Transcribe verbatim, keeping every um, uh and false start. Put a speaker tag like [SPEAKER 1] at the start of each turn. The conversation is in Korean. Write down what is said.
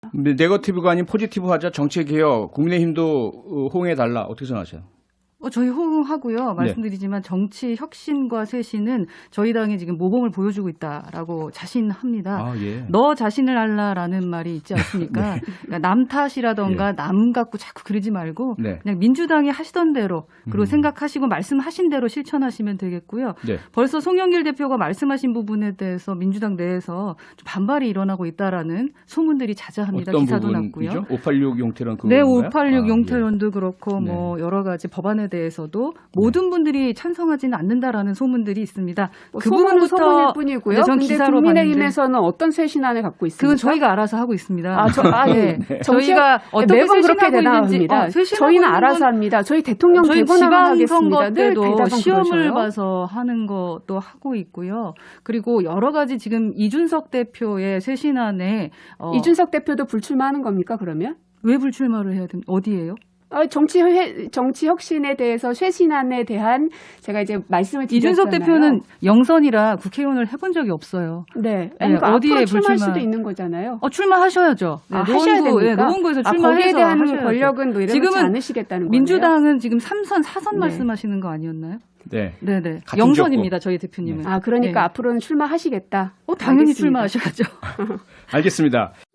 [SPEAKER 1] 근데 네거티브가 아닌 포지티브하자 정치개혁 국민의힘도 호응해달라 어떻게 생각하세요?
[SPEAKER 2] 어, 저희 호응하고요. 말씀드리지만 정치 혁신과 쇄신은 저희 당이 지금 모범을 보여주고 있다라고 자신합니다.
[SPEAKER 1] 아, 예.
[SPEAKER 2] 너 자신을 알라라는 말이 있지 않습니까?
[SPEAKER 1] 네.
[SPEAKER 2] 그러니까 남 탓이라던가
[SPEAKER 1] 예.
[SPEAKER 2] 남 갖고 자꾸 그러지 말고
[SPEAKER 1] 네.
[SPEAKER 2] 그냥 민주당이 하시던 대로 그리고
[SPEAKER 1] 음.
[SPEAKER 2] 생각하시고 말씀하신 대로 실천하시면 되겠고요.
[SPEAKER 1] 네.
[SPEAKER 2] 벌써 송영길 대표가 말씀하신 부분에 대해서 민주당 내에서 좀 반발이 일어나고 있다라는 소문들이 자자합니다.
[SPEAKER 1] 어떤
[SPEAKER 2] 기사도
[SPEAKER 1] 부분이죠?
[SPEAKER 2] 났고요.
[SPEAKER 1] 오팔육 용태론 그거
[SPEAKER 2] 네, 오팔육
[SPEAKER 1] 아,
[SPEAKER 2] 용태론도 그렇고
[SPEAKER 1] 네.
[SPEAKER 2] 뭐 여러 가지 법안에 대해서도 모든 분들이 찬성하지는 않는다라는 소문들이 있습니다.
[SPEAKER 3] 뭐
[SPEAKER 2] 그
[SPEAKER 3] 소문은
[SPEAKER 2] 부분부터
[SPEAKER 3] 소문일 뿐이고요.
[SPEAKER 2] 네, 전
[SPEAKER 3] 근데
[SPEAKER 2] 기사로
[SPEAKER 3] 국민의힘에서는 어떤 쇄신안을 갖고 있습니까?
[SPEAKER 2] 그건 저희가 알아서 하고 있습니다.
[SPEAKER 3] 아, 저, 아, 예.
[SPEAKER 2] 네.
[SPEAKER 3] 정치-
[SPEAKER 2] 저희가 어떻게
[SPEAKER 3] 매번 그렇게
[SPEAKER 2] 쇄신하고 있는지
[SPEAKER 3] 대답합니다.
[SPEAKER 2] 어, 쇄신하고
[SPEAKER 3] 저희는
[SPEAKER 2] 있는
[SPEAKER 3] 알아서
[SPEAKER 2] 건
[SPEAKER 3] 합니다. 저희 대통령
[SPEAKER 2] 저희
[SPEAKER 3] 되고 나면
[SPEAKER 2] 지방선거
[SPEAKER 3] 하겠습니다. 늘
[SPEAKER 2] 때도
[SPEAKER 3] 대답은
[SPEAKER 2] 시험을
[SPEAKER 3] 그러셔요.
[SPEAKER 2] 봐서 하는 것도 하고 있고요. 그리고 여러 가지 지금 이준석 대표의 쇄신안에 어,
[SPEAKER 3] 이준석 대표도 불출마하는 겁니까, 그러면?
[SPEAKER 2] 왜 불출마를 해야 됩니까? 어디예요?
[SPEAKER 3] 아, 정치, 회, 정치 혁신에 대해서 쇄신안에 대한 제가 이제 말씀을 드렸잖아요.
[SPEAKER 2] 이준석 대표는 영선이라 국회의원을 해본 적이 없어요.
[SPEAKER 3] 네.
[SPEAKER 2] 네,
[SPEAKER 3] 아니, 그러니까
[SPEAKER 2] 어디에
[SPEAKER 3] 앞으로 출마할
[SPEAKER 2] 불출마-
[SPEAKER 3] 수도 있는 거잖아요.
[SPEAKER 2] 어, 출마하셔야죠. 네,
[SPEAKER 3] 아, 하셔야
[SPEAKER 2] 노원구,
[SPEAKER 3] 됩니까?
[SPEAKER 2] 예, 노원구에서
[SPEAKER 3] 아,
[SPEAKER 2] 출마해서
[SPEAKER 3] 거기에 대한
[SPEAKER 2] 하셔야죠.
[SPEAKER 3] 권력은 노려놓지
[SPEAKER 2] 지금은
[SPEAKER 3] 않으시겠다는 거예요.
[SPEAKER 2] 민주당은 지금 삼 선, 사 선
[SPEAKER 3] 네.
[SPEAKER 2] 말씀하시는 거 아니었나요?
[SPEAKER 1] 네.
[SPEAKER 2] 네네.
[SPEAKER 1] 같은
[SPEAKER 2] 영선입니다, 저희 대표님은.
[SPEAKER 3] 아, 그러니까
[SPEAKER 2] 네.
[SPEAKER 3] 앞으로는 출마하시겠다.
[SPEAKER 2] 어, 당연히
[SPEAKER 3] 알겠습니다.
[SPEAKER 2] 출마하셔야죠.
[SPEAKER 1] 알겠습니다.